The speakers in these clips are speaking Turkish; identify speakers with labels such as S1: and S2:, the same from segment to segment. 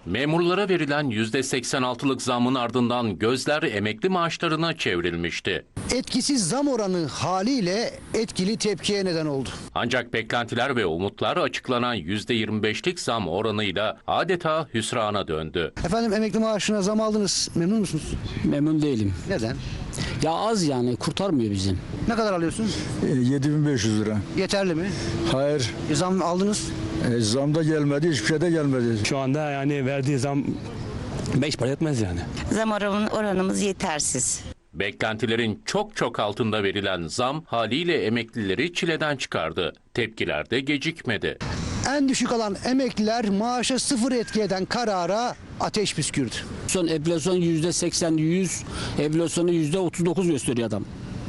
S1: Memurlara verilen %86'lık zamın ardından gözler emekli maaşlarına çevrilmişti.
S2: Etkisiz zam oranı haliyle etkili tepkiye neden oldu.
S1: Ancak beklentiler ve umutlar açıklanan %25'lik zam oranıyla adeta hüsrana döndü.
S2: Efendim, emekli maaşına zam aldınız. Memnun musunuz?
S3: Memnun değilim.
S2: Neden?
S3: Ya az yani kurtarmıyor bizim.
S2: Ne kadar alıyorsunuz?
S4: 7.500 lira.
S2: Yeterli mi?
S4: Hayır.
S2: Zam aldınız.
S4: Zam da gelmedi, hiçbir şey de gelmedi.
S5: Şu anda yani verdiği zam 5 para etmez yani.
S6: Zam oranımız yetersiz.
S1: Beklentilerin çok altında verilen zam haliyle emeklileri çileden çıkardı. Tepkiler de gecikmedi.
S2: En düşük alan emekliler maaşa sıfır etki eden karara ateş püskürdü.
S3: Son enflasyon %80-100, enflasyonu %39 gösteriyor adam.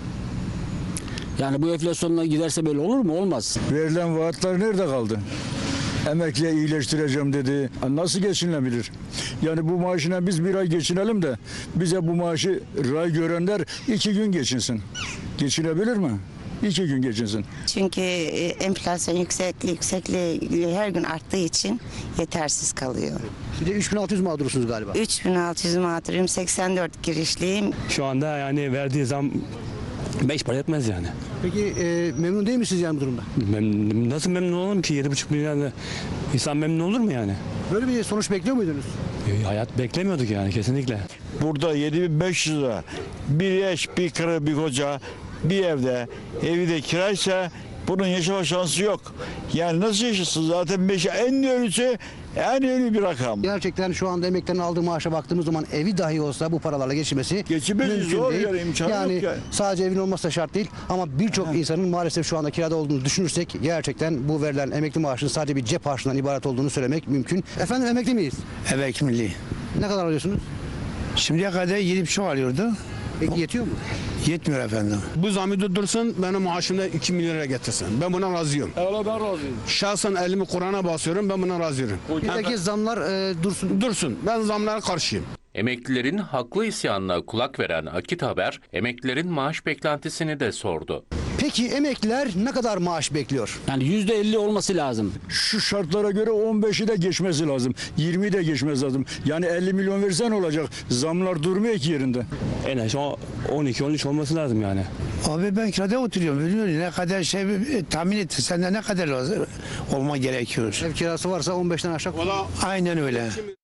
S3: Yani bu enflasyonla giderse böyle olur mu? Olmaz.
S4: Verilen vaatler nerede kaldı? Emekliye iyileştireceğim dedi. Nasıl geçinilebilir? Yani bu maaşına biz bir ay geçinelim de bize bu maaşı ray görenler 2 gün geçinsin. Geçinebilir mi? 2 gün geçinsin.
S6: Çünkü enflasyon yüksekliği her gün arttığı için yetersiz kalıyor.
S2: Bir de 3600 mağdursunuz galiba.
S6: 3600 mağdurum, 84 girişliyim.
S5: Şu anda yani verdiği zam 5 para etmez yani.
S2: Peki memnun değil misiniz yani bu durumda?
S5: Nasıl memnun olurum ki 7,5 milyarla insan memnun olur mu yani?
S2: Böyle bir sonuç bekliyor muydunuz?
S5: Hayat beklemiyorduk yani kesinlikle.
S7: Burada 7.500 lira bir eş, bir karı, bir koca bir evde, evi de kiraysa bunun yaşama şansı yok. Yani nasıl yaşasın zaten en ölü bir rakam.
S2: Gerçekten şu anda emeklilerin aldığı maaşa baktığımız zaman evi dahi olsa bu paralarla geçirmesi
S7: Geçinmesi zor
S2: değil.
S7: yani, imkanı
S2: yani
S7: yok yani.
S2: sadece evin olması şart değil ama birçok insanın maalesef şu anda kirada olduğunu düşünürsek gerçekten bu verilen emekli maaşının sadece bir cep harçlığından ibaret olduğunu söylemek mümkün. Efendim, emekli miyiz?
S8: Evet, milli.
S2: Ne kadar alıyorsunuz?
S8: Şimdiye kadar 7,5 alıyordu.
S2: Peki yetiyor mu?
S8: Yetmiyor efendim.
S9: Bu zamı durdursun, benim maaşımda 2 milyon lira getirsin. Ben buna razıyım.
S5: Evet ben razıyım.
S9: Şahsen elimi Kur'an'a basıyorum, ben buna razıyım.
S2: Peki zamlar dursun.
S9: Dursun, ben zamlara karşıyım.
S1: Emeklilerin haklı isyanına kulak veren Akit Haber, emeklilerin maaş beklentisini de sordu.
S2: Peki emekliler ne kadar maaş bekliyor?
S3: Yani %50 olması lazım.
S4: Şu şartlara göre 15'i de geçmesi lazım. 20'yi de geçmesi lazım. Yani 50 milyon versen olacak. Zamlar durmuyor ki yerinde.
S5: En az 12-13 olması lazım yani.
S8: Abi ben kirada oturuyorum. Biliyorum ne kadar tahmin et. Sende ne kadar lazım olma gerekiyor.
S2: Ev kirası varsa 15'ten aşağı.
S8: Aynen öyle.